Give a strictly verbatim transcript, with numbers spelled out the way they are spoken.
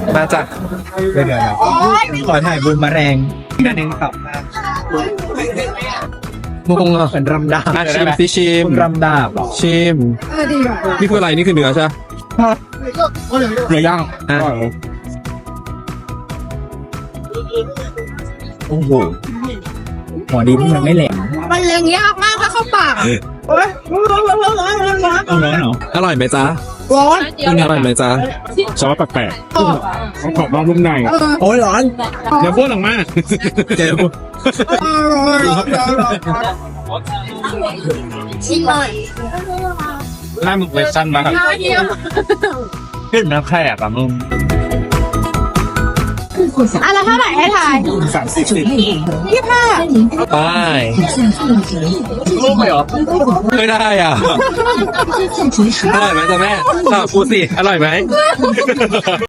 มาจ้ะเดี๋ยวเดี๋ยวขอถ่ายบูมมาแรงกันหนึ่งครับมุงอ่ะเป็นรำดาบอ่ะชิมสิชิมรำดาบชิมนี่คืออะไรนี่คือเนื้อใช่ไหมเนื้อย่างอ่ะโอ้โหหัวดีที่มันไม่แหลมมันเลี้ยงยากมากถ้าเข้าปากเอาร้อนเหรออร่อยไหมจ๊ะร้อนคุณอร่อยไหมจ๊ะซอสแปลกๆต้องขอบนอกนุ่มในโอ้ยร้อนเดี๋ยวพูดออกมาเจ็บชิมหน่อยหน้ามึงเวอร์ชันมากเดียวขึ้นน้ำแขกอะมึงอ่ะแล้วเท่าไหร่ให้ทายสามสิบสิบยี่ห้าไปรูปไหมเหรอไม่ได้อ่ะ อร่อยไหมจ๊ะแม่อ่ะพูดสิ อร่อยไหม